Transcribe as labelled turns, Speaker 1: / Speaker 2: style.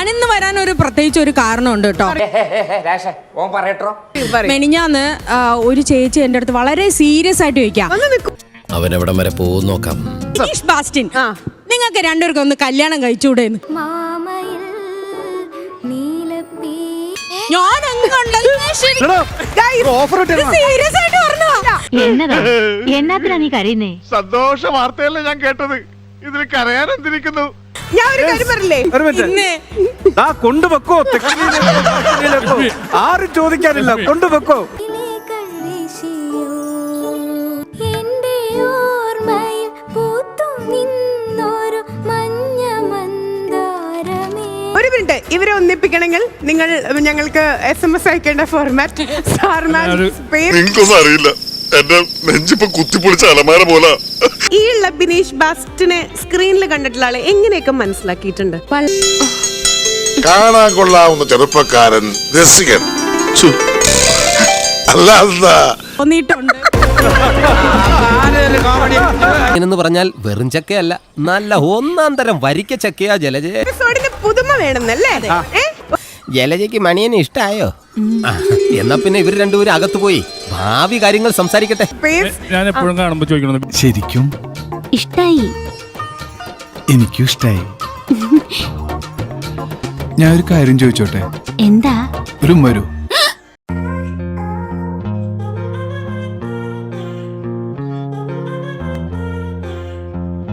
Speaker 1: ഞാനിന്ന് വരാൻ ഒരു പ്രത്യേകിച്ച് ഒരു കാരണമുണ്ട് കേട്ടോ. മെനിഞ്ഞാന്ന് ഒരു ചേച്ചി എന്റെ അടുത്ത് വളരെ സീരിയസ് ആയിട്ട് ചോദിക്കാം,
Speaker 2: അവനെവിടം വരെ പോകും നോക്കാം.
Speaker 1: ബിനീഷ് ബാസ്റ്റിൻ, നിങ്ങൾക്ക് രണ്ടുപേർക്കും ഒന്ന് കല്യാണം കഴിച്ചുകൂടെന്ന്. ഞാൻ
Speaker 3: എന്നാ നീ കരയുന്നേ?
Speaker 4: സന്തോഷ വാർത്തയല്ലേ ഞാൻ കേട്ടത്, ഇതിൽ കരയാൻ എന്തിരിക്കുന്നു?
Speaker 5: ഞാൻ ഒരു കാര്യം പറഞ്ഞില്ലേ,
Speaker 6: കൊണ്ടുവെക്കോ, ആരും ചോദിക്കാനില്ല, കൊണ്ടുവെക്കോ.
Speaker 5: ഒരു മിനിറ്റ്, ഇവരെ ഒന്നിപ്പിക്കണമെങ്കിൽ നിങ്ങൾ ഞങ്ങൾക്ക് SMS അയക്കേണ്ട ഫോർമാറ്റ്
Speaker 4: നിങ്ങൾക്കൊന്നും അറിയില്ല, എന്റെ നെഞ്ചിപ്പോ കുത്തിപ്പൊളിച്ച അലമാര പോലെ.
Speaker 5: ഈ ഉള്ള ബിനീഷ് ബാസ്റ്റിനെ സ്ക്രീനിൽ കണ്ടിട്ടുള്ള ആളെ എങ്ങനെയൊക്കെ മനസ്സിലാക്കിയിട്ടുണ്ട്?
Speaker 4: കാണാൻ കൊള്ളാവുന്ന ചെറുപ്പക്കാരൻ, രസികൻ, അല്ലാതെ
Speaker 2: എന്ന് പറഞ്ഞാൽ വെറും ചക്കയല്ല, നല്ല ഒന്നാം തരം വരിക്ക ചക്കയാ ജലജ.
Speaker 5: പുതുമ വേണമെന്നല്ലേ?
Speaker 2: ജലജയ്ക്ക് മണിയനെ ഇഷ്ടായോ? എന്നാ പിന്നെ ഇവർ രണ്ടുപേരും അകത്ത് പോയി ഭാവി കാര്യങ്ങൾ സംസാരിക്കട്ടെ.
Speaker 6: ഞാൻ എപ്പോഴും കാണുമ്പോ ചോദിക്കണം, ശരിക്കും
Speaker 3: ഇഷ്ടായി?
Speaker 6: എനിക്കും ഇഷ്ടായി. ഞാൻ ഒരു കാര്യം ചോദിച്ചോട്ടെ?
Speaker 3: എന്താ?
Speaker 6: ഒരു മരു